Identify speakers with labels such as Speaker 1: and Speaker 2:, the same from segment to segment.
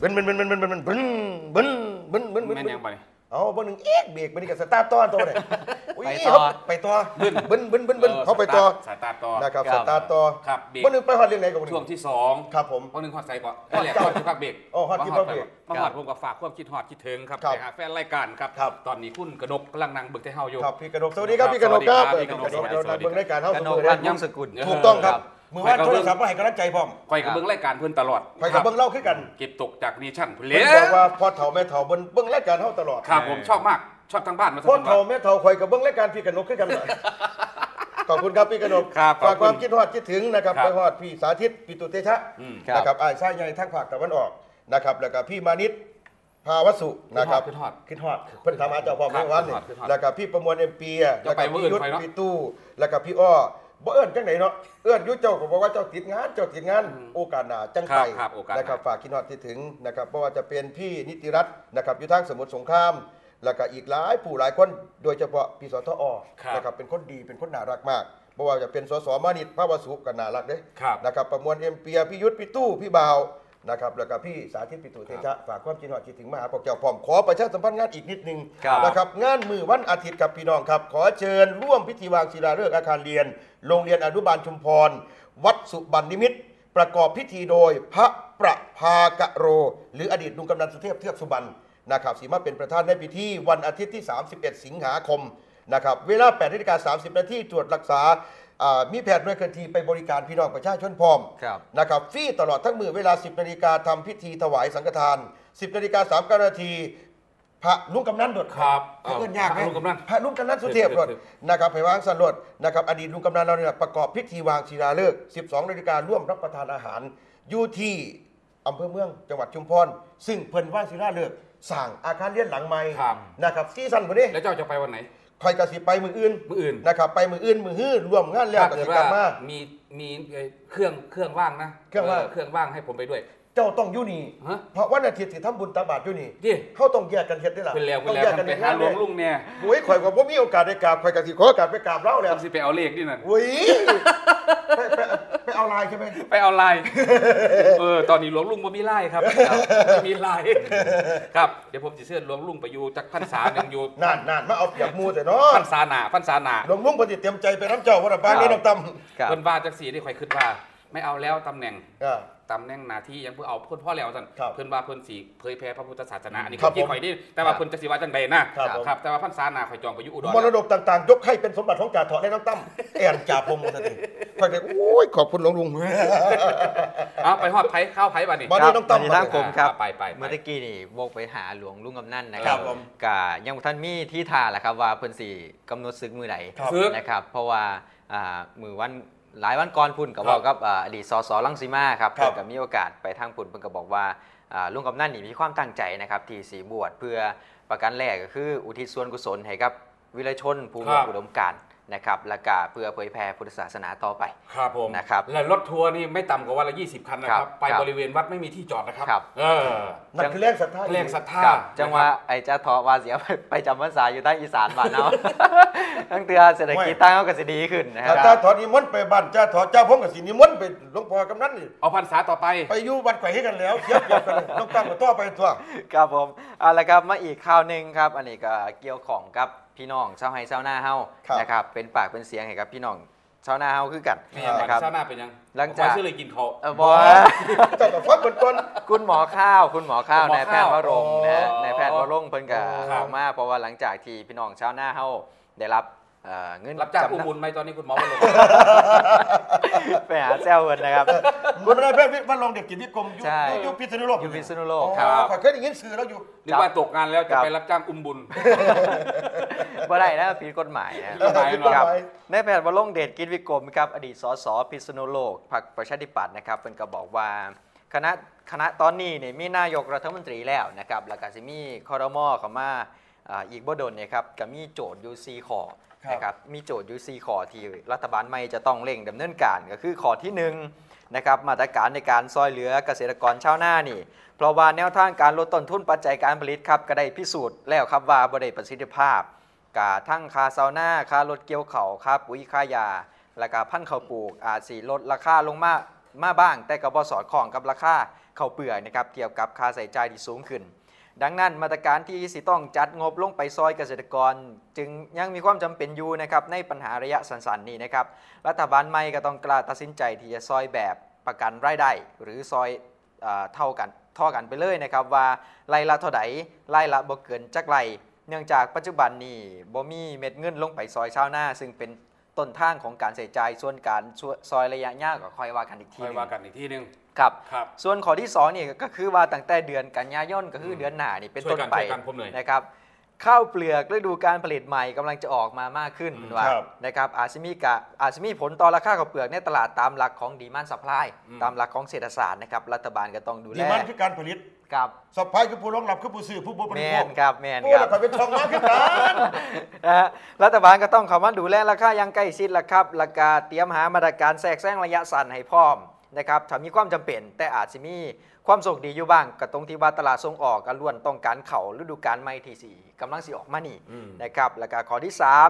Speaker 1: บึ้นบึ้นบึ้นบึ้นบึ้นบึ้นบึ้นบึ้นบึ้นบึ้นบึ้นบึ้น
Speaker 2: แม่นยังไป
Speaker 1: เอาบนหนึ่งเอ๊กเบรกบนนี้กับสตาร์ทต้อนตัวเลยไปต่อบึ้นบึ้นบึ้นบึ้นบึ้นเขาไปต่อ
Speaker 2: สายตาต่อ
Speaker 1: นะครับสตาร์ทต่อ
Speaker 2: ครับเบรก
Speaker 1: บนหนึ่งไปฮอดเรื่องไหนกับ
Speaker 2: ช่วงที่2
Speaker 1: ครับผม
Speaker 2: บางนึงฮอดใส่ก่อนก็แหละฮอดที่พักเบรก
Speaker 1: ฮอดที่พักเบรก
Speaker 2: มาฮอดผมก็ฝากความคิดฮอดคิดถึงครับไปหาแฟนรายการครับตอนนี้คุณกนกกำลังนั่งเบิ่งแต่เฮาอยู่
Speaker 1: ครับพี่กนกสวัสดีครับพี่กนกครับพี่กนกเบิ่งรายการเฮา
Speaker 3: กนก
Speaker 1: ค
Speaker 3: รั
Speaker 1: รั
Speaker 3: ตน์ย่อมสกุล
Speaker 1: ถูกต้องครับมือว่าโทรศัพท์มาให้กำลังใจพร้อม
Speaker 2: คอยกับเบิ่งรายการเพิ่นตลอด
Speaker 1: ไปกับเบิ่งเล่าขึ้นกัน
Speaker 2: เก็บตกจากนิชั่นเพิ่นเล
Speaker 1: เพิ่นบอกว่าพ่อเฒ่าแม่เฒ่าเบิ่งรายการเฮาตลอด
Speaker 2: ครับผมชอบมากชอบทางบ้านมา
Speaker 1: พ่อเฒ่าแม่เฒ่าคอยกับเบิ่งรายการพี่กนกขึ้นกันขอบคุณครับพี่กนกฝากความคิดฮอดคิดถึงนะครับไปฮอดพี่สาธิตปิตุเตชะนะครับอ้ายชายใหญ่ทางภาคตะวันออกนะครับแล้วก็พี่มานิตภาวสุนะครับคิดฮอดเพิ่นถามหาเจ้าพ่อแม่วันนี่แล้วก็พี่ประมวลเอ็มปีแล้วก็พี่ยุทธพี่ตู้แล้วก็พี่อ้อบ่เอิ้นจังไหนเนาะเอิ้นอยู่เจ้าก็บอกว่าเจ้าติดงานโอกาสหน้าจังไปนะครับฝากคิดฮอดคิดถึงนะครับเพราะว่าจะเป็นพี่นิติรัตน์นะครับอยู่ทางสมุทรสงครามแล้วก็อีกหลายผู้หลายคนโดยเฉพาะพี่สทอนะครับเป็นคนดีเป็นคนน่ารักมากเพราะว่าจะเป็นสสมานิตภาวสุก็น่ารักเด้นะครับประมวลเอ็มปีพี่ยุทธพี่ตู้พี่บ่าวนะครับแล้วก็พี่สาธิตปิตุเตชะฝากความคิดฮอดคิดถึงมาหาพวกเจ้าพร้อมขอประชาสัมพันธ์งานอีกนิดนึงนะครับงานมือวันอาทิตย์กับพี่น้องครับขอเชิญร่วมพิธีวางศิลาฤกษ์อาคารเรียนโรงเรียนอนุบาลชุมพรวัดสุบรรณนิมิตรประกอบพิธีโดยพระประภากะโรหรืออดีตลุงกำนันสุเทพเทือกสุบรรณนะครับสีมาเป็นประธานในพิธีวันอาทิตย์ที่31สิงหาคมนะครับเวลา 8:30 น.ตรวจรักษามีแพทย์หน่วยเคลื่อนที่ไปบริการพี่น้องประชาชนพร้อมนะครับฟรีตลอดทั้งมือเวลา 10 นาฬิกาทำพิธีถวายสังฆทาน 10 นาฬิกา 39 นาทีพระลุงกำนันดด
Speaker 2: ครับ
Speaker 1: เอิ้นยากไหม
Speaker 2: พระลุงกำนัน
Speaker 1: พระลุงกำนันสุเทพดดนะครับไปวางสันรดนะครับอดีตลุงกำนันเราเนี่ยประกอบพิธีวางศิลาฤกษ์ 12 นาฬิการ่วมรับประทานอาหารอยู่ที่อำเภอเมืองจังหวัดชุมพรซึ่งเพิ่นวางศิลาฤกษ์สร้างอาคารเรียนหลังใหม่นะครับซีซั่นบ่นี้
Speaker 2: แล้วเจ้าจะไปวันไหน
Speaker 1: คอยกระสิไปมืออื่นนะครับไปมืออื่นมือฮื้อรวมงานแล้ว
Speaker 2: ถ้าก
Speaker 1: ระ
Speaker 2: เกิ
Speaker 1: สิ
Speaker 2: ด
Speaker 1: กลั
Speaker 2: ว่า
Speaker 1: บมา
Speaker 2: มีเครื่องว่างนะเครื่องว่างให้ผมไปด้วย
Speaker 1: เจ้าต้องอยู่นี่
Speaker 2: ฮะ
Speaker 1: เพราะวันอาทิตย์ที่ทำบุญตักบาตรอยู่นี่
Speaker 2: ดิ
Speaker 1: เขาต้องแยกกันเฮ็ดได้ล่ะ
Speaker 2: เป็นแล้ว
Speaker 1: ต้องแยกกัน
Speaker 2: ไปหาหลวงลุงเนี่ย
Speaker 1: โอ้ยข่อยก็บ่มีโอกาสได้กราบข่อยก็สิขอโอกาสไปกราบเล่าแล้ว
Speaker 2: ต้องสิไปเอาเลขนี่นั่น
Speaker 1: โอ้ยไปเอาลายใช่ไหม
Speaker 2: ไปเอาไลน์ตอนนี้หลวงลุงบ่มีไลน์ครับไม่มีไลน์ครับเดี๋ยวผมจะเชิญหลวงลุงไปอยู่จักพรรษาหนึงอยู่
Speaker 1: นานมาเอาเปรียบหมู่แต่เนาะ
Speaker 2: พรรษาหน้า
Speaker 1: หลวงลุงเพิ่นสิเตรียมใจไปน้ำเจ้าว่าน่ะปานนี้น้ำตำ
Speaker 2: เพิ่นว่าจังซี่ที่ข่อยคิดว่าไม่เอาแล้วตำแหน่งหน้าที่ยังเพื่อเอาเพิ่นพ่อแล้วซั่นเพิ่นว่าเพิ่นสิเผยแพร่พระพุทธศาสนาอันนี้ข่อยนี่แต่ว่าเพิ่นจะสิว่าจังใดนะครับแต่ว่าพรรษาหน้าข่อยจองไปอยู่อุดร
Speaker 1: มรดกต่างๆยกให้เป็นสมบัติของจ่าเถาะและน้ำตั้มแอนจ่าพงศ์ซะทีข่อยก็โอ้ยขอบคุณหลวงลุง
Speaker 2: เอาไปฮอดไผข้าวไผบัดนี้
Speaker 1: บัดนี้น้องตั้ม
Speaker 3: ทางผมครับ
Speaker 2: ไป
Speaker 3: เมื่อกี้นี่วกไปหาหลวงลุงกำนันนะค
Speaker 1: ครั
Speaker 3: รั
Speaker 1: บบ ผม
Speaker 3: กะยังบ่ท่านมีที่ทาแหละครับว่าเพิ่นสิกำหนดศึกมื้อใด
Speaker 2: ศึก
Speaker 3: นะครับเพราะว่ามื้อวันหลายวันก่อนพุ่นก็บอกกับอดีตสสรังสีมาครับเพิ่นก็มีโอกาสไปทางพุ่นเพิ่นก็บอกว่าลุงกำนันนี่มีความตั้งใจนะครับที่สิบวชเพื่อประการแรกก็คืออุทิศส่วนกุศลให้กับวิรชนผู้มีอุดมการณ์นะครับและก็เพื่อเผยแผ่พุทธศาสนาต่อไป
Speaker 2: ครับผม
Speaker 3: นะครับ
Speaker 2: และรถทัวร์นี่ไม่ต่ำกว่าวันละ20 คันนะครับไปบริเวณวัดไม่มีที่จอดนะครับ
Speaker 1: นั่นคือแรงศรัทธา
Speaker 2: แรงศรัทธา
Speaker 3: จังว่าไอ้เจ้าทอว่าเสียไปจำพรรษาอยู่ใต้อีสานบ้านเนาะ ตั้งเตือเศรษฐกิจตั้งเขาก็สิดีขึ้นนะค
Speaker 1: จ่า
Speaker 3: รับ
Speaker 1: ถอนิมนต์ไปบ้านจ่าถอเจ้าพงศ์ก็สินิมนต์ไปหลวงพ่อกำนันนี่
Speaker 2: เอาพรรษาต่อไป
Speaker 1: ไปอยู่วัดไข่ให้กันแล้วเทียบกันน้องตั้มก็ต่อไปตัว
Speaker 3: ครับผมเอาละครับมาอีกข่าวหนึ่งครับอันนี้ก็เกี่ยวของกับพี่น้องชาวไฮชาวนาเฮานะครับเป็นปากเป็นเสียงให้กับพี่น้องชาวนาเฮาคือกัน
Speaker 2: นี่
Speaker 3: นะครับ
Speaker 2: เช้าหน้าเป็นยัง
Speaker 3: หลังจาก
Speaker 2: ชื่อเลยกินเขา
Speaker 3: บอ
Speaker 1: เจ้าก็ฟังเพิ่นก่อน
Speaker 3: คุณหมอข้าวคุณหมอข้าว
Speaker 2: หมอข้าว
Speaker 3: นายแพทย์วรงค์นะ
Speaker 1: อ๋อ
Speaker 3: นายแพทย์วรงค์เพิ่นก็
Speaker 2: ครับ
Speaker 3: ออกมาเพราะว่าหลังจากที่พี่น้องชาวนาเฮาได้รับเงิน
Speaker 2: รับจ้าง
Speaker 3: จำ
Speaker 2: ผู้
Speaker 3: นำ
Speaker 2: บุญไหมตอนนี้คุณหมอมาลง
Speaker 3: ไปหาแซวเพิ่นนะครับ
Speaker 1: มันได้เพื่อนมันลงเด็กกิจนิคม
Speaker 3: ใช่
Speaker 1: อยู่พิษณุโลก
Speaker 3: อยู่พิษณุโลก
Speaker 1: อ๋อ
Speaker 3: ครับ
Speaker 1: ข้อยเคยได้ยินสื่อแล้วอยู่
Speaker 2: นึกว่าตกงานแล้วจะไปรับจ้างอุ้มบุญ
Speaker 3: บ่ได้นะผิดกฎหมายนะ
Speaker 2: ผิดกฎหมาย
Speaker 3: ครับนายแพทย์วรงค์เดชกิจวิกรมครับอดีตสสพิษณุโลกพรรคประชาธิปัตย์นะครับเพิ่นก็บอกว่าคณะตอนนี้เนี่ยมีนายกรัฐมนตรีแล้วนะครับแล้วก็สิมีครม.เข้ามาอีกบ่ดนเนี่ยครับก็มีโจทย์อยู่4ข้อนะครับมีโจทย์อยู่4ข้อที่รัฐบาลใหม่จะต้องเร่งดำเนินการก็คือข้อที่1นะครับมาตรการในการซอยเหลือเกษตรกรชาวนานี่เพราะว่าแนวทางการลดต้นทุนปัจจัยการผลิตครับก็ได้พิสูจน์แล้วครับว่าบ่ได้ประสิทธิภาพกะทั้งค่าเซาหน้าค่ารถเกี่ยวเข่าค่าปุ๋ยค่ายาและก็พันธุ์ข้าวปลูกอาจสิลดราคาลงมาบ้างแต่ก็บ่สอดคล้องกับราคาข้าวเปลือกนะครับเกี่ยวกับค่าใช้จ่ายที่สูงขึ้นดังนั้นมาตรการที่สิต้องจัดงบลงไปซอยเกษตรกรจึงยังมีความจำเป็นอยู่นะครับในปัญหาระยะสั้นๆนี้นะครับรัฐบาลใหม่ก็ต้องกล้าตัดสินใจที่จะซอยแบบประกันรายได้หรือซอยเท่ากันไปเลยนะครับว่าไร่ละเท่าไหร่ไร่ละบ่เกินจักไรเนื่องจากปัจจุบันนี้บ่มีเม็ดเงินลงไปซอยชาวนาซึ่งเป็นต้นทางของการใช้จ่ายส่วนการซอยระยะยาวก็ค่อยว่ากันอีกทีนึงครับส่วนข้อที่2นี่ก็คือว่าตั้งแต่เดือนกันยายนก็คือเดือนหน้านี่เป็นต้นไปนะครับข้าวเปลือกฤดูการผลิตใหม่กำลังจะออกมามากขึ้นว่านะครับอาจจะมีผลต่อราคาข้าวเปลือกในตลาดตามหลักของดีมานด์ซัพพลายตามหลักของเศรษฐศาสตร์นะครับรัฐบาลก็ต้องดูแล
Speaker 1: ดีมานด์คือการผลิต
Speaker 3: ครับ
Speaker 1: ซัพพลายคือผู้รองรับคือผู้ซื้อผู้บริโภค
Speaker 3: แม่นครับ
Speaker 1: ก็เป็นช่องว่างขึ้นกัน
Speaker 3: รัฐบาลก็ต้องเข้ามาดูแลราคาอย่างใกล้ชิดละครับราคาเตรียมหามาตรการแทรกแซงระยะสั้นให้พร้อมนะครับถ้ามีความจำเป็นแต่อาจจะมีความโชคดีอยู่บ้างกับตรงที่ว่าตลาดส่งออกก็ล้วนต้องการเข่าฤดูกาลใหม่ที่4กำลังสิออกมานี่นะครับแล้วก็ข้อที่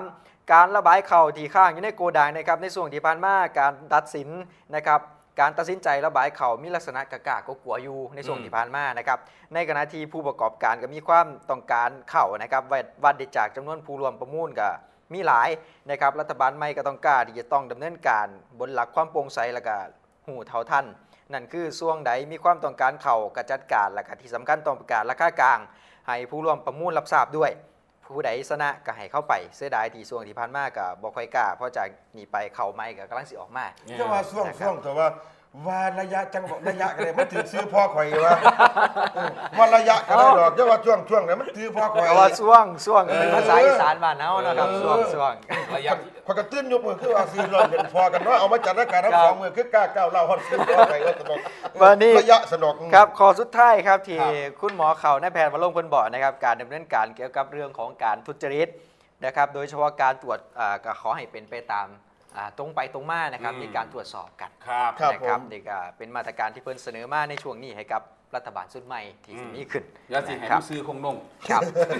Speaker 3: 3การระบายเข่าที่ข้างอยู่ในโกดังนะครับในช่วงที่ผ่านมาการตัดสินนะครับการตัดสินใจระบายเข่ามีลักษณะกะก็กลัวอยู่ในช่วงที่ผ่านมานะครับในขณะที่ผู้ประกอบการก็มีความต้องการเข่านะครับวัดได้จากจำนวนผู้รวมประมูลก็มีหลายนะครับรัฐบาลใหม่ก็ต้องกล้าที่จะต้องดำเนินการบนหลักความโปร่งใสและก็หูเท่าทันนั่นคือช่วงใดมีความต้องการเข่ากระจัดการและก็ที่สำคัญต้องประกาศราคากลางให้ผู้ร่วมประมูลรับทราบด้วยผู้ใดชนะก็ให้เข้าไปเสียดายที่ช่วงที่ผ่านมาก็บ่ค่อยกล้าเพราะจากนี้ไปเข่าใหม่ก็กำลังสิออกมา
Speaker 1: จะว่าช่วงแต่ว่าระยะจังบอกระยะกันเลยมันถือซื้อพ่อข่อยวะว่าระยะกันได้ดอกจะว่าช่วงเนี่ยมันถือพ่อข่อย
Speaker 3: ว่าช่วงเป็นภาษาอีสานบ้านเฮานะครับช่วง
Speaker 2: ระยะ
Speaker 1: พอกระตื้นยกมือคือว่าซื้อรอนเป็นพอกันว่าเอามาจัดรายการทั้ง2 มือคือกล้าก้าวเล่าฮอดซื้อพ่อข่อยว่าสนุก
Speaker 3: วันนี้
Speaker 1: ระยะสนุก
Speaker 3: ครับข้อสุดท้ายครับที่คุณหมอเขานายแพทย์วรงค์เพิ่นบอกนะครับการดำเนินการเกี่ยวกับเรื่องของการทุจริตนะครับโดยเฉพาะการตรวจก็ขอให้เป็นไปตามตรงไปตรงมานะครับในการตรวจสอบกันนะครับนี่ก็เป็นมาตรการที่เพิ่นเสนอมาในช่วงนี้ให้กับรัฐบาลชุดใหม่ที่จะมีขึ้น
Speaker 2: อย่าสิให้ซื้อคงนงครับ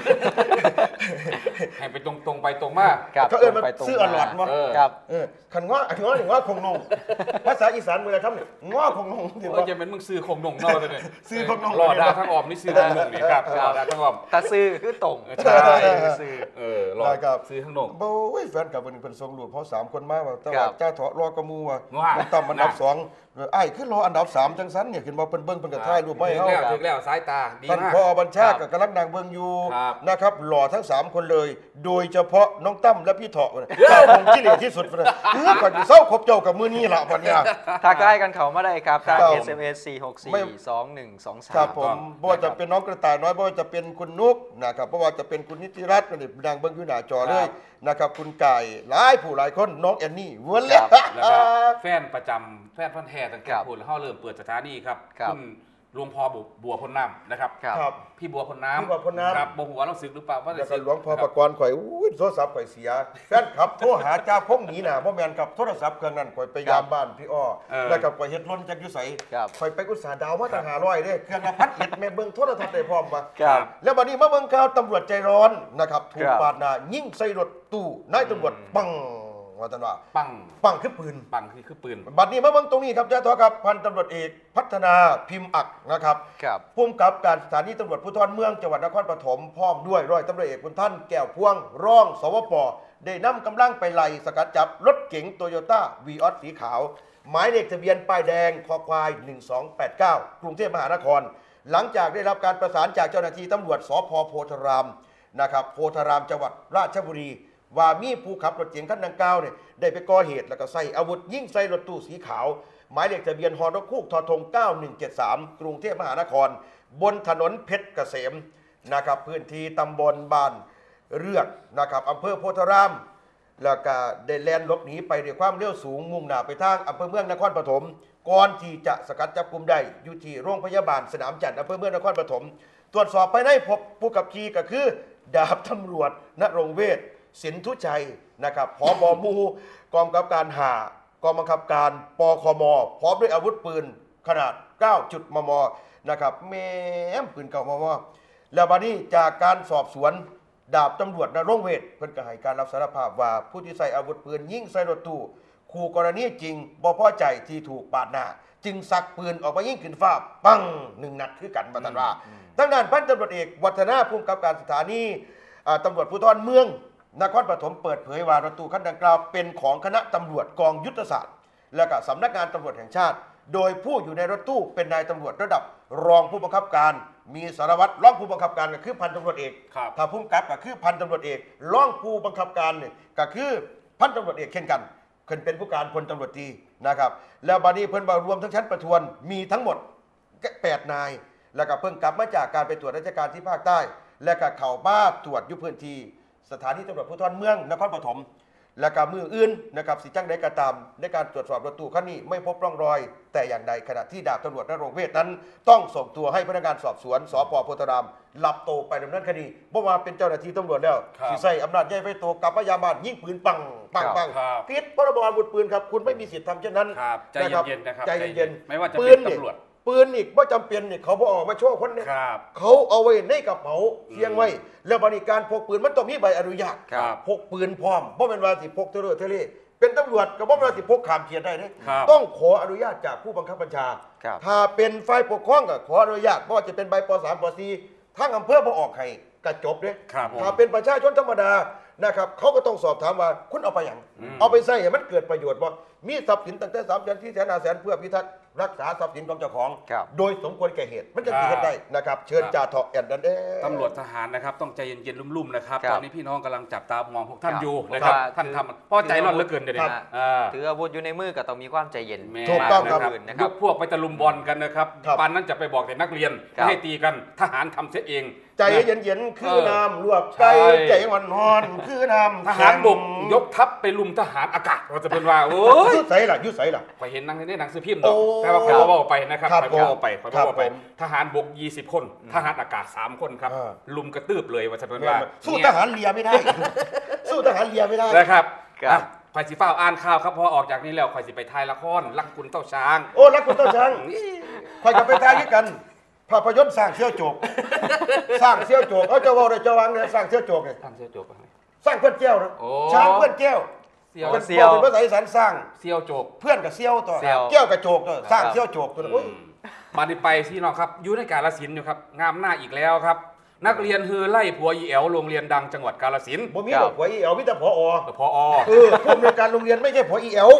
Speaker 2: ให้ไปตรงไปตรงมา
Speaker 1: เขามันซื้ออร่อยมั้ง
Speaker 3: ครับ
Speaker 1: ขันง้อถึงว่าคงนงภาษาอีสานมืออะไรครับเนี่ยง้อคงนง
Speaker 2: ถือว่าจะเป็นมึงซื้อคงนงนอกเลย
Speaker 1: ซื้อคงนง
Speaker 2: รอดาทั้งออมนี่ซื้อคงนงนี่ครับรอดาทั้งออม
Speaker 3: ถ้าซื้อคือตรง
Speaker 2: ใช่ซื้อรอดกับซื้อทั้งนง
Speaker 1: โอ้ยแฟนกับเป็นทรงหลวงเพราะ3 คนมาว่าแต่ว่าเจ้าเถาะรอกระมูว่าต่ำอันดับ2ไอ้ขึ้นรออันดับ3จังสันเนี่ยขึ้นมาเป็นเบิ้งเป็นกระท่ายรูปไม่เข้า
Speaker 2: ถึงแล้วสายตาดีมาก
Speaker 1: ท่านพอบัญชากับกำลังนางเบิ้งอยู่นะครับหล่อทั้ง3 คนเลยโดยเฉพาะน้องตั้มและพี่เถาะเจ้าคงที่เหลือที่สุดเลยก่อนจะเศร้าครบเจ้ากับมือนี้ละวันนี้
Speaker 3: ถ้าใกล้กันเขามาได้ครับทาง SMS 4642123
Speaker 1: ครับผมบ่ว่าจะเป็นน้องกระต่ายน้อยบ่ว่าจะเป็นคุณนุกนะครับบ่ว่าจะเป็นคุณนิติรัตน์นี่นางเบิ้งอยู่หน้าจอเลยนะครับคุณไก่หลายผู้หลายคนน้องแอนนี่วนเลย
Speaker 2: แล้วก็แฟนประจำแฟนพันธุ์แท้ตั้งแต่พูดแล้วเขาเริ่มเปิดสถานีครับคุณหลวงพ่อบัวพลน้ำนะครับพี่บัวพลน้ำครับบัวหัวเราสึกหรือเปล่าว่า
Speaker 1: แล้วก็หลวงพ่อประกรณ์ข่อยโทรศัพท์ข่อยเสียแฟนขับโทรหาเจ้าพงหนีน่ะบ่แม่นกับโทรศัพท์เครื่องนั้นข่อยไปยามบ้านพี่อ้อแล้วก็ข่อยเฮ็ดล้นจักอยู่ไสข่อยไปอุตสาหดาวมาตั้ง500เด้เครื่องละพัดเฮ็ดแม่เบิ่งโทรทัศน์ได้พร้อมบ่แล้วบัดนี้มาเบิ่งข่าวตำรวจใจร้อนนะครับถูกปาดหน้ายิงใส่รถตู้นายตำรวจปังว่าท่านว่าปังคือปืนบัดนี้มาเบิ่งตรงนี้ครับเจ้าทอครับพันตำรวจเอกพัฒนาพิมพ์อักนะครับผู้กำกับการสถานีตำรวจภูธรเมืองจังหวัดนครปฐมพร้อมด้วยร้อยตำรวจเอกคุณท่านแก้วพวงรองสวป.ได้นำกำลังไปไล่สกัดจับรถเก๋งโตโยต้าวีออสสีขาวหมายเลขทะเบียนป้ายแดงคอควาย1289กรุงเทพมหานครหลังจากได้รับการประสานจากเจ้าหน้าที่ตำรวจสภ.โพธารามนะครับโพธารามจังหวัดราชบุรีว่ามีผู้ขับรถเก๋งคันดังกล่าวเนี่ยได้ไปก่อเหตุแล้วก็ใส่อาวุธยิงใส่รถตู้สีขาวหมายเลขทะเบียนฮอนกคูกทท9173กรุงเทพมหานครบนถนนเพชรเกษมนะครับพื้นที่ตำบลบ้านเรือกนะครับอำเภอโพธารามแล้วก็ได้แล่นหลบหนีไปด้วยความเร็วสูงมุ่งหน้าไปทางอำเภอเมืองนครปฐมก่อนที่จะสกัดจับกุมได้อยู่ที่โรงพยาบาลสนามจันทร์อำเภอเมืองนครปฐมตรวจสอบภายในพบผู้ขับขี่ก็คือดาบตำรวจณรงค์เวชสินทุชัยนะครับผบ.หมู่กองกำกับการ5กองบังคับการปคม.พร้อมด้วยอาวุธปืนขนาด 9 มม.นะครับแม่มปืน9 มม.แล้วบัดนี้จากการสอบสวนดาบตำรวจณรงค์เวชเพิ่นก็ให้การรับสารภาพว่าผู้ที่ใส่อาวุธปืนยิงใส่รถตู้คู่กรณีจริงบ่พอใจที่ถูกปาดหน้าจึงสักปืนออกมายิงขึ้นฟ้าปัง1 นัดคือกันมาตันว่าทางด้านพันตำรวจเอกวัฒนาภูมิกับการสถานีตำรวจภูธรเมืองนครปฐมเปิดเผยว่ารถตู้คันดังกล่าวเป็นของคณะตำรวจกองยุทธศาสตร์และก็สำนักงานตำรวจแห่งชาติโดยผู้อยู่ในรถตู้เป็นนายตำรวจระดับรองผู้บังคับการมีสารวัตรรองผู้บังคับการก็คือพันตำรวจเอกถ้าผู้กำกับก็คือพันตำรวจเอกรองผู้บังคับการเนี่ยก็คือพันตำรวจเอกเช่นกันขึ้นเป็นผู้การพลตำรวจตรีนะครับแล้วบัดนี้เพิ่นมารวมทั้งชั้นประทวนมีทั้งหมด8 นายแล้วก็เพิ่งกลับมาจากการไปตรวจราชการที่ภาคใต้และก็เข้าบ้านตรวจยุพื้นที่สถานีตำรวจภูธรเมืองนครปฐมและก็มืออื่นนะครับสิจังใดก็ตามในการตรวจสอบรถตู้คันนี้ไม่พบร่องรอยแต่อย่างใดขณะที่ดาบตำรวจณรงค์เวทนั้นต้องส่งตัวให้พนักงานสอบสวนสป.โพธารามรับตัวไปดำเนินคดีเพราะว่าเป็นเจ้าหน้าที่ตำรวจแล้วสิใช้อำนาจใหญ่ไฟโตกลับมายามบ้านยิงปืนปังผิดพรบอาวุธปืนครับคุณไม่มีสิทธิ์ทำเช่นนั้น
Speaker 2: ใจเย็นๆนะครับ
Speaker 1: ใจเย็น
Speaker 2: ไม่ว่าจะเป็นตำรวจ
Speaker 1: ปืนอีกว่าจำเป็นเนี่ยเขาบอกออกมาโชว์คนเนี่ยเขาเอาไว้ในกระเป๋าเสียงไว้แล้วบริการพกปืนมันต้องมีใบอนุญาตพกปืนพร้อมเพราะเป็นว่าสิพกเทเลเป็นตำรวจกับว่าสิพกขามเขียนได้เนี่ยต้องขออนุญาตจากผู้บังคับบัญชาถ้าเป็นฝ่ายปกครองก็ขออนุญาตเพราะว่าจะเป็นใบป.3 ป.4 ทั้งอำเภอบ่ออกให้กระจบเนี่ยถ้าเป็นประชาชนธรรมดานะครับเขาก็ต้องสอบถามว่าคุณเอาไปอย่างเอาไปใช้ให้มันเกิดประโยชน์บ่มีทรัพย์สินตั้งแต่3 แสน 4 แสน 5 แสนเพื่อพิทักษ์รักษาทรัพย์สินของเจ้าของโดยสมควรแก่เหตุมันจะเกิดได้นะครับเชิญจ่าเถาะแอนดันเด้
Speaker 2: ตำรวจทหารนะครับต้องใจเย็นๆลุ่มๆนะครับตอนนี้พี่น้องกำลังจับตามองพวกท่านอยู่นะครับท่านทำเพราะใจร้อนเหลือเกินเดี๋ยวนี้
Speaker 3: ถืออาวุธอยู่ในมือก็ต้องมีความใจเย็น
Speaker 1: ถูกต้องครับ
Speaker 2: ยกพวกไปตะลุมบอลกันนะครับปานนั้นจะไปบอกแต่นักเรียนให้ตีกันทหารทำเสียเอง
Speaker 1: ใจเย็นๆคือน้ำลวกใจใจอ่อนๆคือน้ำ
Speaker 2: ทหารบกยกทัพไปลุมทหารอากาศเราจะเป็นว่าโอ้ย
Speaker 1: ยุดใส่ล่ะ
Speaker 2: ไปเห็นในหนังสือพิมพ์ดอกแต่ว่าใครว่าไปนะครับใครว่าไปทหารบก20 คนทหารอากาศ3 คนครับลุมกระตืบเลยว่าจะเป็นว่า
Speaker 1: สู้ทหารเรือไม่ได้สู้ทหารเรือไม่ได้
Speaker 2: นะครับคอยสิฟ้าอ่านข่าวครับพอออกจากนี้แล้วคอยสิไปถ่ายละครรักคุณเต้าช้าง
Speaker 1: โอ้รักคุณเต้าช้างคอยกับไปถ่ายด้วยกันภาพยนตร์สร้างเสี่ยวโจกเขาจะว่าได้จะวางเนี่ยสร้างเสี่ยวโจกไง
Speaker 2: สร้างเสี่ยวโจก
Speaker 1: สร้างเพื่อนแก้วนะช้างเพื่อนแก้วเป็นภาษาอีสานสร้าง
Speaker 2: เสี่ยวโจก
Speaker 1: เพื่อนกับเสี่ยวตัวแก้วกับโจกตัวสร้างเสี่ยวโจกตัว
Speaker 2: มาดิไปที่น้องครับอยู่ในกาฬสินธุ์อยู่ครับงามหน้าอีกแล้วครับนักเรียนฮือไล่ผัวอีแอวโรงเรียนดังจังหวัดกาฬสินธุ์
Speaker 1: บ่มีหรอกผัวอีแอวมีแต่ผอ.
Speaker 2: ผู้
Speaker 1: อำนวยการโรงเรียนไม่ใช่ผัวอีแอว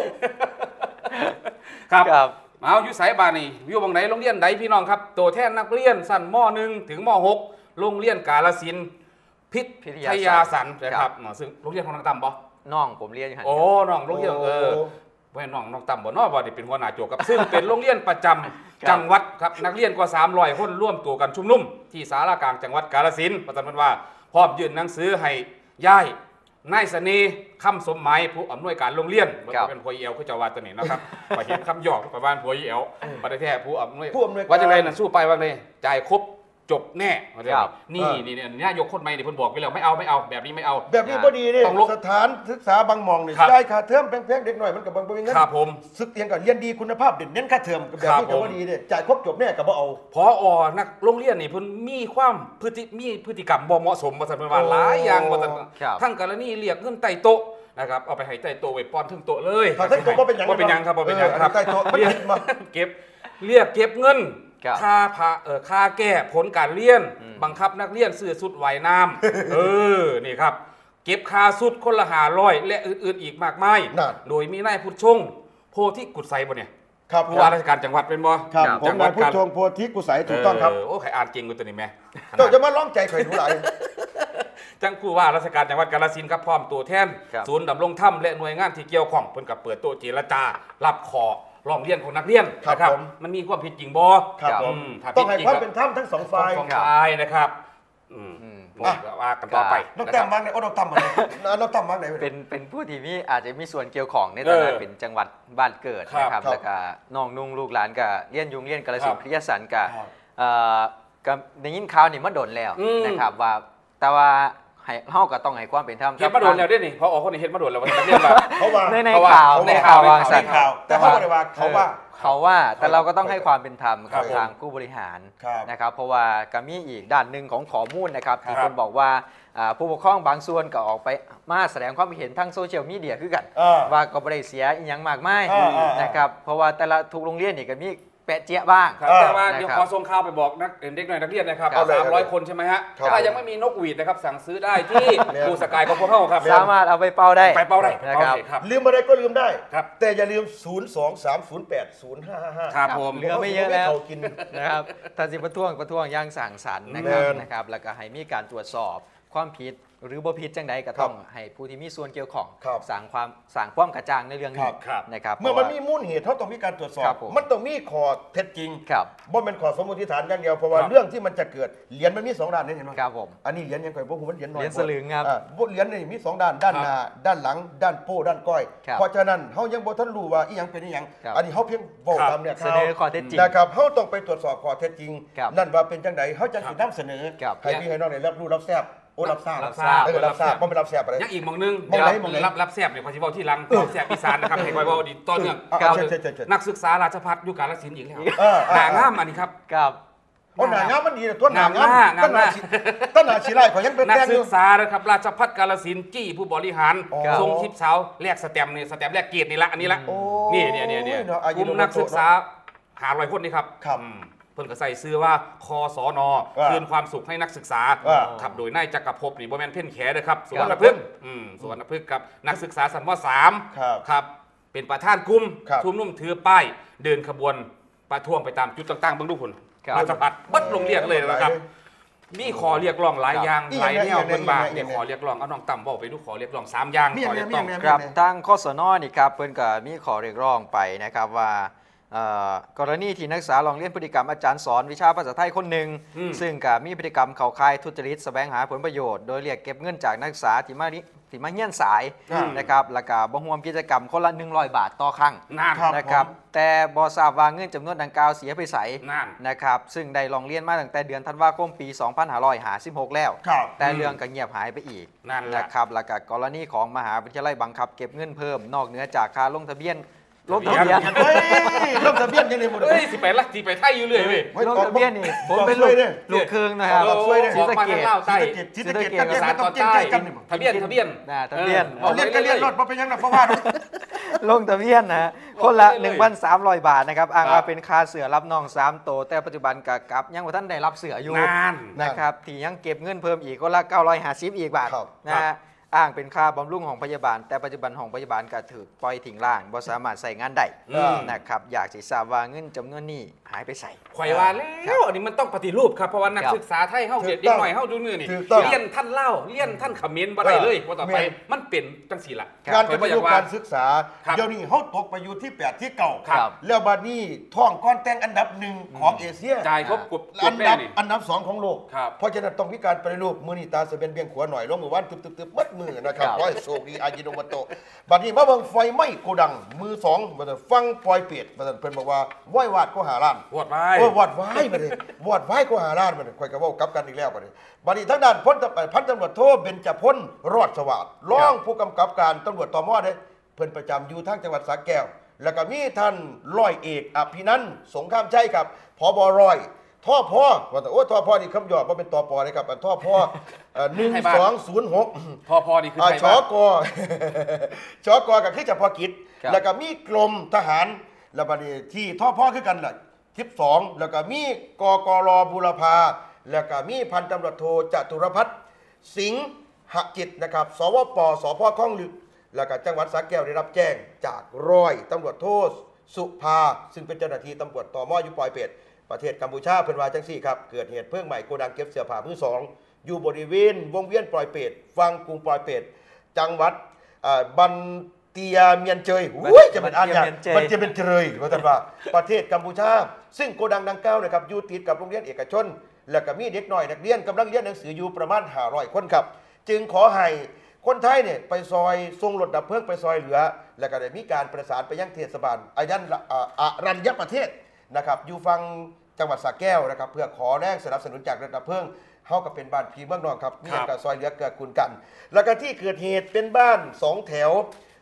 Speaker 2: ครับเอาอยู่ไสบ้านนี่อยู่บังไหนโรงเรียนใดพี่น้องครับตัวแทนนักเรียนชั้นม.1 ถึงม.6 โรงเรียนกาฬสินธุ์พิทยาสันนะครับซึ่งโรงเรียนของน้องตั้มบ่
Speaker 3: น้องผมเรียนอยู่
Speaker 2: โอ้น้องโรงเรียนว่าน้องตั้มบ่เนาะบ่ได้เป็นหัวหน้าโจกครับซึ่งเป็นโรงเรียนประจำจังหวัดครับนักเรียนกว่า300 คนร่วมตัวกันชุมนุมที่ศาลากลางจังหวัดกาฬสินธุ์ประจำว่าพร้อมยื่นหนังสือให้ย้ายนายเสน่ห์คำสมหมายผู้อำนวยการโรงเรียนมันเป็นผัวอีแอลคือเจ้าว่าตัวนี้นะครับไปเห็นคำหยอกประมาณผัวอีแอลประเทศผู้อำนวยว่าจังไรน่ะสู้ไปว่าเลยจ่ายครบจบแน่นี่ยกคนใหม่นี่เพิ่นบอกไปแล้วไม่เอาแบบนี้ไม่เอา
Speaker 1: แบบนี้พอดีนี่สถานศึกษาบางมองนี่ได้ค่าเทอมแพงๆเด็กหน่อยมันกับบางประเภทงั้น
Speaker 2: ครับผม
Speaker 1: ศึกเรียนกับเรียนดีคุณภาพเด่นเน้นค่าเทอมแบบนี้ก็พอดีเนี่ยจ่ายครบจบแน่กับบ่เอา
Speaker 2: พอนักโรงเรียนนี่เพิ่นมีความพฤติกรรมบ่เหมาะสมว่าซั่นว่าหลายอย่างว่าซั่นทั้งกรณีเรียกเงินไต่โต๊ะนะครับเอาไปให้ใต้โต๊ะไว้ป้อนถึงโต๊ะเลย
Speaker 1: ถ้าใต้โต๊ะบ่เป็นหยัง
Speaker 2: ครับบ่เป็นหยังครับ
Speaker 1: ใต้โต๊ะมัน
Speaker 2: เก็บเงินค่าแก้ผลการเรียนบังคับนักเรียนซื้อชุดว่ายน้ำนี่ครับเก็บค่าชุดคนละ500และอื่นๆอีกมากมายโดยมีนายพุทธชงโพธิกุศไสบ่เนี่ยผู้ว่าราชการจังหวัดเป็นบ่
Speaker 1: ครับผมนายพุทธชงโพธิกุศไสถูกต้องครับ
Speaker 2: โอ้ใครอ่านเก่งกว่าตัวนี้แม่
Speaker 1: เจ้าจะมาร้องใจใครดูหลาย
Speaker 2: จังผู้ว่าราชการจังหวัดกาฬสินธุ์ครับพร้อมตัวแทนศูนย์ดำรงธรรมและหน่วยงานที่เกี่ยวข้องเพิ่นก็เปิดโต๊ะเจรจารับขอร้องเรียนของนักเรียนนะครับมันมีความผิดจริงบ่
Speaker 1: ต้องให้ความเป็นธรรมทั้ง2 ฝ่
Speaker 2: ายนะครับว่ากันต่อไป
Speaker 1: น้องตั้มบ้างไหนน้องตั้มบ้างไหน
Speaker 3: เป็นผู้ที่มีอาจจะมีส่วนเกี่ยวข้องในตอนนั้นเป็นจังหวัดบ้านเกิดนะครับแล้วก็น้องนุ่งลูกหลานก็เรียนกาฬสินธุ์พิทยาสันก็ได้ยินข่าวนี่มาโดนแล้วนะครับว่าแต่ว่าเฮาก็ต้องให้ความเป็นธรรม
Speaker 2: เฮ็ดมาโดนแล้วด้นี่พอออกคนนี้เฮ็ดมาโดนแล้วว่าเรียนว่า
Speaker 3: ในข่าว
Speaker 1: แต่เขาบ่ได้ว่าเขา
Speaker 3: เขาว่าแต่เราก็ต้องให้ความเป็นธรรมกับ
Speaker 1: ครับ
Speaker 3: ทางผู้บริหาร
Speaker 1: ครับ
Speaker 3: นะครับเพราะว่าก็มีอีกด้านหนึ่งของข้อมูลนะครับที่
Speaker 2: ครับ
Speaker 3: คนบอกว่าผู้ปกครองบางส่วนก็ออกไปมาแสดงความเห็นทางโซเชียลมีเดียคือกัน ว่าก็ไม่ได้เสียอหยังมากมายนะครับเพราะว่าแต่ละทุกโรงเรียนนี่ก็มีแปะเจี๊ยะบ้าง
Speaker 2: ครับแต่ว่าเดี๋ยวขอส่งข่าวไปบอกเด็กหน่อยนักเรียนนะครับ
Speaker 1: ครับ
Speaker 2: 300 คนใช่ไหมฮะ
Speaker 1: ครับ
Speaker 2: ถ้ายังไม่มีนกหวีดนะครับสั่งซื้อได้ที่บูสกายของพวกเขาครับ
Speaker 3: สามารถเอาไปเป่าได้
Speaker 2: ไปเป้าได้
Speaker 3: นะครับ
Speaker 2: ครับ
Speaker 1: ลืมอะไรก็ลืมได้
Speaker 2: ครับ
Speaker 1: แต่อย่าลืม 023080555
Speaker 2: ครับผม
Speaker 3: เหลือไม่เยอะแล้ว
Speaker 1: เขากิน
Speaker 3: นะครับถ้าสิประท้วงอย่างสั่งสรรค์นะครับแล้วก็ให้มีการตรวจสอบความผิดหรือบ่ผิดจังใดก็ต้องให้ผู้ที่มีส่วนเกี่ยวข้อง
Speaker 1: ครับ
Speaker 3: สั่งความกระจ่างในเรื่องนี้
Speaker 2: ครับ
Speaker 3: นะครับ
Speaker 1: เมื่อมันมีมูลเหตุเขาต้องมีการตรวจสอ
Speaker 3: ครับ บผม
Speaker 1: มันต้องมีข้อเท็จจริง
Speaker 3: ครับ
Speaker 1: บ่เป็นข้อสมมติฐานอย่างเดียวเพราะว่า
Speaker 2: ครับ
Speaker 1: เรื่องที่มันจะเกิดเหรียญมันมี2ด้านนี่เห็นไหม
Speaker 3: ครับผม
Speaker 1: อันนี้เหรียญยังไงพวกผมมันเหรียญน้อย
Speaker 3: เหรียญสลึงครับ
Speaker 1: เหรียญนี่มี2ด้านด้านหน้าด้านหลัง ด้านโป้ด้านก้อย
Speaker 3: ครับ
Speaker 1: เพราะฉะนั้นเฮายังบ่ทันรู้ว่าอีหยังเป็นอีหยัง
Speaker 3: ครับ
Speaker 1: อันนี้เฮาเพียงบอก
Speaker 2: ครับ
Speaker 1: ตามเนี่ย
Speaker 3: เสนอข้อเท็จจริง
Speaker 1: นะครับเฮาต้องไปตรวจสอบข้อเท็จจริง
Speaker 3: ครับ
Speaker 1: นั่นว่าเป็นจังไดเฮาจังสินำเสนอ
Speaker 3: ครับ
Speaker 1: ให้พี่ให้น้องได้รับรู้รับทราบโอ้รับทราบ
Speaker 2: รับทราบ
Speaker 1: รับทราบบ่เป็นรับทราบอะไร
Speaker 2: ยังอีกหมองนึง
Speaker 1: หม้องไหนหม้องไหน
Speaker 2: รับแซบเนี่ยพอสิเว้าที่หลังรับแซบอีสานนะครับให้คอยเว้าดีต่อเนื่อง
Speaker 1: ครับ
Speaker 2: เอา
Speaker 1: เชิญ
Speaker 2: นักศึกษาราชภัฏอยู่กาฬสินธุ์อีกแล้ว
Speaker 1: เออ
Speaker 2: หน้างามอันนี้ครับ
Speaker 3: ครับ
Speaker 1: โอ้หน้างามมันดีนะตัวหน้างาม
Speaker 2: งามมาก
Speaker 1: ต้นหน้าชีไร่ขอยังเป็น
Speaker 2: นัก
Speaker 1: แต้มอ
Speaker 2: ศึ
Speaker 1: ยู่
Speaker 2: กษานะครับราชภัฏกาฬสินธุ์จี้ผู้บริหาร
Speaker 1: อ๋อ
Speaker 2: ทรงทิพย์สาวแลกสแตมป์นี่สแตมป์แลกเกียรตินี่ละอันนี้ละ
Speaker 1: โอ้
Speaker 2: นี่
Speaker 1: เนาะอายุ
Speaker 2: กลุ่มนักศึกษา500 คนนี่ครับ
Speaker 1: ครับ
Speaker 2: เพิ่นก็ใส่ซื้อว่าคอสน
Speaker 1: ว่า
Speaker 2: คืนความสุขให้นักศึกษา
Speaker 1: ว่า
Speaker 2: ขับโดยนายจักรภพนี่บ่แม่นเพ่นแขนะครับสวน
Speaker 1: ครับ
Speaker 2: นพฤกษ์สวนนพฤกษ์กับนักศึกษาสันม3
Speaker 1: ครับ
Speaker 2: ครับเป็นประธานกลุ่ม
Speaker 1: ครับ
Speaker 2: ชุมนุมถือป้ายเดินขบวนประท้วงไปตามจุดต่างๆเบิ่งดูพุ่น
Speaker 3: ครับ
Speaker 2: ราชภัฏเบิดโรงเรียนเลยนะครับ มีขอเรียกร้องหลายอย่าง
Speaker 1: อีก
Speaker 2: หลายแนว
Speaker 1: อย่าง
Speaker 2: เพิ่นว่า
Speaker 1: อีกอย่าง
Speaker 2: เนี่ยขอเรียกร้องเอาน้องต่ำบอกไปดูขอเรียกร้อง3อย่าง
Speaker 1: มี
Speaker 2: ขอ
Speaker 1: อย่าง
Speaker 2: เรียกร้อง
Speaker 1: มีอย่าง
Speaker 3: ครับทางคสนนี่ครับเพิ่นก็มีขอเรียกร้องไปนะครับว่ากรณีที่นักศึกษาลองเรียนพฤติกรรมอาจารย์สอนวิชาภาษาไทยคนหนึ่งซึ่งก็มีพฤติกรรมเข้าข่ายทุจริตแสวงหาผลประโยชน์โดยเรียกเก็บเงินจากนักศึกษาที่มาเงียนสายนะครับแล้วก็บ่ร่วมกิจกรรมคนละ100 บาทต่อครั้ง
Speaker 2: นั่น
Speaker 3: นะครับแต่บ่ทราบว่าเงินจำนวนดังกล่าวเสียไปไส
Speaker 2: นั่น
Speaker 3: นะครับซึ่งได้ลองเรียนมาตั้งแต่เดือนธันวาคมปี 2556 แล้ว
Speaker 1: ครับ
Speaker 3: แต่เรื่องก็เงียบหายไปอีก
Speaker 2: นั่นแหละ
Speaker 3: นะครับแล้วก็กรณีของมหาวิทยาลัยบังคับเก็บเงินเพิ่มนอกเหนือจากค่าลงทะเบียน
Speaker 2: เฮ้ย
Speaker 1: เฮ้ยลงทะเบียนยังไงหมด
Speaker 2: เฮ้ยสิไปไทยอยู่เลยเว้ย
Speaker 3: ลงทะเบียนนี่ผมเป็น
Speaker 1: บอกช่วยดิ
Speaker 3: ลูกครึ่งนะครับ
Speaker 2: โอ้
Speaker 1: ช่วยดิ
Speaker 3: ศรีสะเกษ
Speaker 2: ออกมาทางลาวใต้
Speaker 1: ศรีสะเกษ
Speaker 3: ศรีสะเกษ
Speaker 1: ทะเบียน
Speaker 2: สาร
Speaker 1: มันต้
Speaker 2: ต่
Speaker 1: อ
Speaker 2: อง
Speaker 1: เก่ง
Speaker 2: ใต้
Speaker 1: ใจกันนี่
Speaker 2: ทะเบียน
Speaker 3: ทะเบียน
Speaker 1: เอาเรียนก็เรียนรถมาเป็นยังไงเพราะว่า
Speaker 3: ลงทะเบียนนะคนละ 1,300 บาทนะครับอ้างว่าเป็นค่าเสือรับน้อง3โตวแต่ปัจจุบันกับยังว่าท่านได้รับเสืออยู่
Speaker 2: นั่น
Speaker 3: นะครับที่ยังเก็บเงินเพิ่มอีกคนละ950อีกบาท
Speaker 1: ครับ
Speaker 3: นะฮะอ้างเป็นค่าบำรุงของพยาบาล แต่ปัจจุบันของพยาบาลก็ถูกปล่อยทิ้งร่างบ่สามารถใส่งานได้
Speaker 2: อืม
Speaker 3: นะครับอยากสิทราบว่าเงินจำนวนนี้หายไปใส่
Speaker 2: ข่อยว่าแล้วอันนี้มันต้องปฏิรูปครับเพราะว่านัก
Speaker 3: ครับ
Speaker 2: ศึกษาไทยเฮาเด็ก
Speaker 1: ถูกต้อง
Speaker 2: หน่อยเฮาดูมือนี่
Speaker 1: ถูกต้อง
Speaker 2: เรียนท่านเล่าเรียนท่านเขมรบ่ได้เลยว่าต่อไปมันเป็นจังซี่ล่ะ
Speaker 1: การ
Speaker 2: ข่
Speaker 1: ป
Speaker 2: อยบ่
Speaker 1: ฏิ
Speaker 2: อ
Speaker 1: รู
Speaker 2: ยา
Speaker 1: ป
Speaker 2: กว่า
Speaker 1: การศึกษา
Speaker 2: ครับ
Speaker 1: เดี๋ยวนี้เขาตกไปอยู่ที่8ที่เก่า
Speaker 3: ครับ
Speaker 1: แล้วบัดนี้ท่องก้อนแต่งอันดับ1ของเอเชีย
Speaker 2: จ่ายครบกบ
Speaker 1: อัน
Speaker 2: แม่
Speaker 1: ดับ
Speaker 2: นี่
Speaker 1: อันดับ2ของโลก
Speaker 2: ครับ
Speaker 1: เพราะฉะนั้นต้องมีการปฏิรูปมือนีตาเสเบนเบียงขวาหน่อยลงมือวันตึบๆมัดมือนะครับ
Speaker 3: ครับ
Speaker 1: ร้อยโชคดีอายิโนมโตะบัดนี้มาเบิ่งไฟไหม้โกดังมือ2มาแต่ฟังปล่อยเปียดมาแต่เพิ่นบอกว่าไหว้วาดก็หาล้าน
Speaker 2: วอดไว้
Speaker 1: โอ้วอดไว้มาเลยวอดไว้ก็หาล้านมาเลยค่อยก็เว้ากลับกันอีกแล้วบัดนี้บัดนี้ทางด้านพันตำรวจโทเบญจพลรอดสวัสดิ์รองผู้กำกับการตำรวจตมเด้เพิ่นประจำอยู่ทางจังหวัดสระแก้ว แล้วก็มีท่านร้อยเอกอภินันท์สงครามชัยครับผบร้อยท่อพ่อว่าแต่โอ้ท่อพ่อนี่คำหยอดว่าเป็นตอปอเลยครับอันท่อพ่อ1206
Speaker 2: พอนี่คือไทย
Speaker 1: ช
Speaker 2: บ้าน
Speaker 1: ก ชกกับคือเฉพาะกิจ
Speaker 3: ครับ
Speaker 1: แล้วก็มีกรมทหารแล้วบัดนี้ที่ท่อพ่อคือกันล่ะ12แล้วก็มีกกรบุรพาแล้วก็มีพันตำรวจโทจตุรพัฒน์สิงหจิตนะครับสวปสพคลองลึกแล้วก็จังหวัดสระแก้วได้รับแจ้งจากร้อยตำรวจโทสุภาซึ่งเป็นเจ้าหน้าที่ตำรวจตมอยู่ปอยเป็ดประเทศกัมพูชาเพิ่นว่าจังซี่ครับเกิดเหตุเพลิงไหม้โกดังเก็บเสื้อผ้ามือสองอยู่บริเวณวงเวียนปลอยเป็ดฟังกรุงปลอยเป็ดจังหวัดบันเตียเมียนเจยอุ้ยจะเป็นอ่านยากมันจะเป็นเจยว่าแต่ว่าประเทศกัมพูชาซึ่งโกดังดังกล่าวนะครับอยู่ติดกับโรงเรียนเอกชน แล้วก็มีเด็กน้อยนักเรียนกำลังเรียนหนังสืออยู่ประมาณ500คนครับจึงขอให้คนไทยเนี่ยไปซอยส่งรถดับเพลิงไปซอยเหลือ แล้วก็ได้มีการประสานไปยังเทศบาลอารัญญประเทศนะครับอยู่ฝั่งจังหวัดสระแก้วนะครับเพื่อขอแรงสนับสนุนจากรถดับเพลิงเฮาก็เป็นบ้านพี่เมืองนอกครับมีการซอยเหลือเกื้อกูลกัน แล้วก็ที่เกิดเหตุเป็นบ้าน2แถว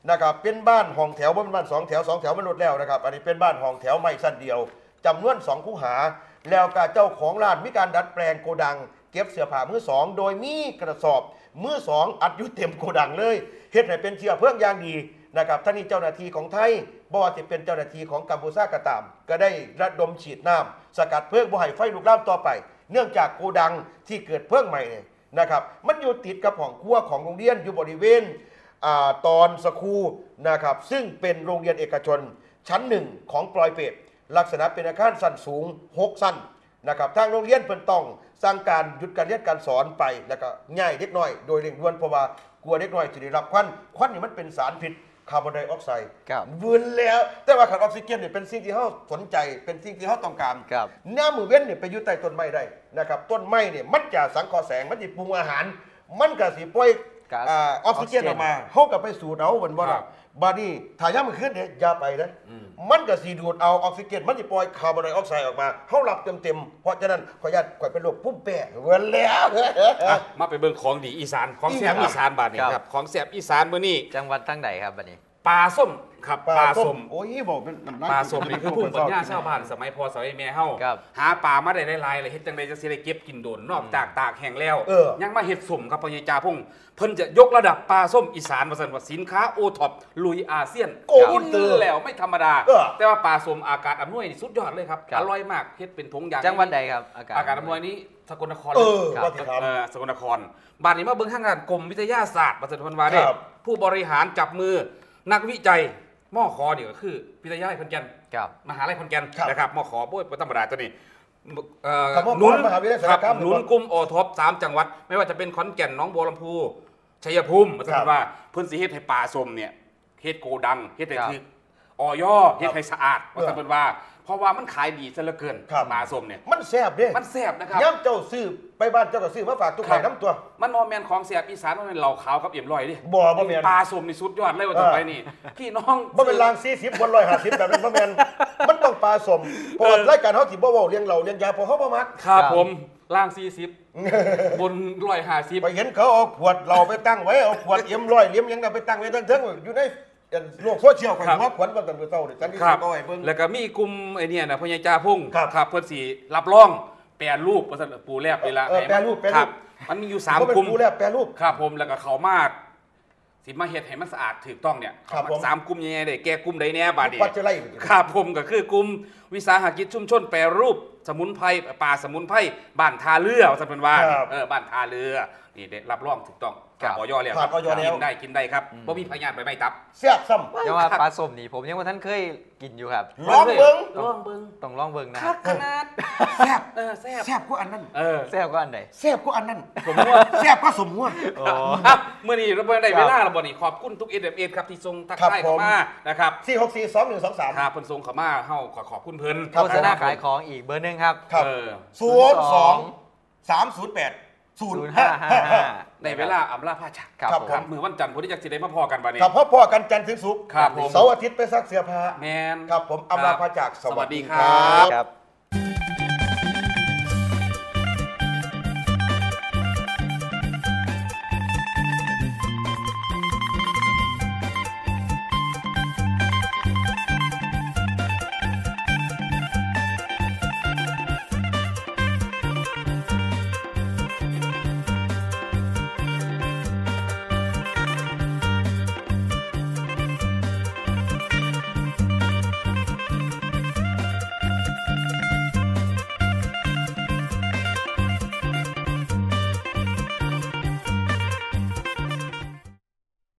Speaker 1: นะครับเป็นบ้านห้องแถวบ่เป็นบ้าน2 แถว2 แถวมันลดแล้วนะครับอันนี้เป็นบ้านห้องแถวไม้สั้นเดียวจำนวน2 คูหาแล้วก็เจ้าของร้านมีการดัดแปลงโกดังเก็บเสื้อผ้ามือสองโดยมีกระสอบมือสองอัดอยู่เต็มโกดังเลยเฮ็ดให้เป็นเชื้อเพลิงอย่างดีนะครับท่านี้เจ้าหน้าที่ของไทยบ่ว่าจะเป็นเจ้าหน้าที่ของกัมพูชาก็ตามก็ได้ระดมฉีดน้ำสกัดเพลิงบ่ให้ไฟลุกลามต่อไปเนื่องจากโกดังที่เกิดเพลิงใหม่เนี่ยนะครับมันอยู่ติดกับห้องครัวของโรงเรียนอยู่บริเวณตอนสคูนะครับซึ่งเป็นโรงเรียนเอกชนชั้นหนึ่งของปลอยเป็ดลักษณะเป็นอาคารสั้นสูง6 สั้นนะครับทางโรงเรียนเพิ่นต้องสั่งการหยุดการเรียนการสอนไปแล้วก็ง่ายเด็กน้อยโดยเร่งด่วนเพราะว่ากลัวเด็กน้อยจะได้รับควันนี่มันเป็นสารพิษคาร์บอนไดออกไซด์วืนแล้วแต่ว่าขาดออกซิเจนเนี่ยเป็นสิ่งที่เขาสนใจเป็นสิ่งที่เขาต้องการหน้ามือเว้นเนี่ยไปอยู่ใต้ต้นไม้ได้นะครับต้นไม้เนี่ยมันจะสังเคราะห์แสงมันจะปรุงอาหารมันก็สิปล่อยออกซิเจนออกมาเขาก็ไปสูดเอาเหมือนว่าบาดนี้ถ้าย่ามันขึ้นเนี่ยอย่าไปนะมันก็สีดูดเอาออกซิเจนมันจะปล่อยคาร์บอนไดออกไซด์ออกมาเขาหลับเต็มเพราะฉะนั้นขออนุญาตก่อยเป็นโรคพุ่มแป้เว้นแล้ว
Speaker 2: มาไปเบิ่งของดีอีสานของแซ่บอีสานบาดนี้ครับของแซ่บอีสานมื้อนี้
Speaker 3: จังหวัดทั้งไหนครับบัดนี้
Speaker 2: ปลาส้มครับปลาส้ม
Speaker 1: โอ้ยบอกเป็น
Speaker 2: ปลาส้มนี่คือภูมิปัญญาชาวบ้านสมัยพ่อสมัยแม่เฮาหาปลามาได้หลายๆเลยเฮ็ดจังได๋จะสิได้เก็บกินโดนนอกจากตากแห้งแล้วยังมาเฮ็ดส้มครับพ่อใหญ่จ่าพงเพิ่นจะยกระดับปลาส้มอีสานว่าซั่นว่าสินค้าโอท็อปลุยอาเซียนกินแล้วไม่ธรรมดาแต่ว่าปลาส้มอากาศอำนวยนี่สุดยอดเลยครับอร่อยมากเฮ็ดเป็นถุงยาง
Speaker 3: จังหวัดใดครับอากาศ
Speaker 2: อำนวยนี้สกลนคร
Speaker 1: ครับ
Speaker 2: สกลนครบ้านนี้มาเบิ่งทางด้านกรมวิทยาศาสตร์ว่าซั่นเพิ่นว่าเด้ผู้บริหารจับมือนักวิจัยมอขอนี่ก็คือวิทยาลัยขอนแก่นมหาลัยขอนแก่นนะครับมอขอบ่ธรรมดาตัวนี้
Speaker 1: หนุนมหาวิทยาลัยสารคาม
Speaker 2: หนุนกลุ่มโอท็อป3จังหวัดไม่ว่าจะเป็นขอนแก่นหนองบัวลำพูชัยภูมิว่าซั่นว่าเพิ่นสิเฮ็ดให้ปลาส้มเนี่ยเฮ็ดโกดังเฮ็ดให้คืออยเฮ็ดให้สะอาดว่าซั่นเพิ่นว่าเพราะว่ามันขายดีซะเหลือเกินปลาส้มเนี่ย
Speaker 1: มันแซ่บเด้
Speaker 2: มันแซ่บนะครับ
Speaker 1: ย่ำเจ้าซื้อไปบ้านเจ้าก็ซื้อมาฝากทุกไข่น้ำตัว
Speaker 2: มันบ่แม่นของแซ่บอีสานมันเป็นเหล่าขาวกับเอี่ยมลอยดิ
Speaker 1: บ่แม่น
Speaker 2: ปลาส้มนี่สุดยอดเลยว่าต่อไปนี่พี่น้อง
Speaker 1: บ่เป็นราง40บน150แบบนั้นบ่แม่นมันต้องปลาส้มเพราะรายการเฮาสิบ่เว้าเรื่องเหล้าเรื่องยาเพราะเฮาบ่มัก
Speaker 2: ครับผมล่าง40บน150
Speaker 1: ไปเห็นเขาเอาขวดเหล้าไปตั้งไว้เอาขวดเอี่ยมลอยเลี่ยมหยังไปตั้งไว้เทิงๆอยู่ในโลกโซเชียลของหัวขวัญว่ากันเจ้าเนี่ยจันที่ก็ให้เบิ่ง
Speaker 2: แล้วก็มีกลุ่มไอ้นี่นะพ่อใหญ่จ่าพุ่งครับเพิ่นสิรับรองแปรรูปว่าซั่นปูแลบนี่ละ
Speaker 1: แปรรูป
Speaker 2: มันมีอยู่3กลุ่ม
Speaker 1: ปูแลบแปรรูป
Speaker 2: ครับผมแล้วก็เขามาสิมาเฮ็ดให้มันสะอาดถูกต้องเนี่ย3กลุ่มใหญ่ๆได้แก่กลุ่มใดแน่บาดนี้ครับผมก็คือกลุ่มวิสาหกิจชุมชนแปรรูปสมุนไพรป่าสมุนไพรบ้านท่าเรือว่าซั่นเพิ่นว่าบ้านท่าเรือนี่ได้รับรองถูกต้องออยแล้วกินได้ครับบ่มีพยาธิใบไม้ตับ
Speaker 1: แซ่บซ้ำ
Speaker 3: ยังว่าปลาส้มนี่ผมยังว่าท่านเคยกินอยู่ครับ
Speaker 1: ลองเบิ่ง
Speaker 3: ต้องลองเบิ่งนะ
Speaker 2: ขนาด
Speaker 1: แซ่บแซ่บกว่าอันนั้น
Speaker 3: แซ่บกว่าอันใด
Speaker 1: แซ่บกว่าอันนั้นสมมติแซ่บกว่าสมมติ
Speaker 2: เมื่อนี้เราได้เวลาแล้วบ่นี่ขอบคุณทุก SMS ครับที่ส่งทักทายเข้ามานะครับ
Speaker 1: 4642123
Speaker 2: ครับเพิ่นส่งเข้ามาเฮาขอบคุณเพิ่น
Speaker 3: โฆษณาขายของอีกเบอร์นึงครับ
Speaker 1: 02-308-0555
Speaker 2: ในเวลาอำลาพาจากครับมื้อวันจันทร์พุ่นที่จักสิได้มาพอกันบัดนี้
Speaker 1: ครับพ่อกันจันทร์ถึงศุกร์เสาร์อาทิตย์ไปซักเสื้อผ้า
Speaker 2: แม่น
Speaker 1: ครับผมอำลาพาจาก
Speaker 2: สวัสดีครับ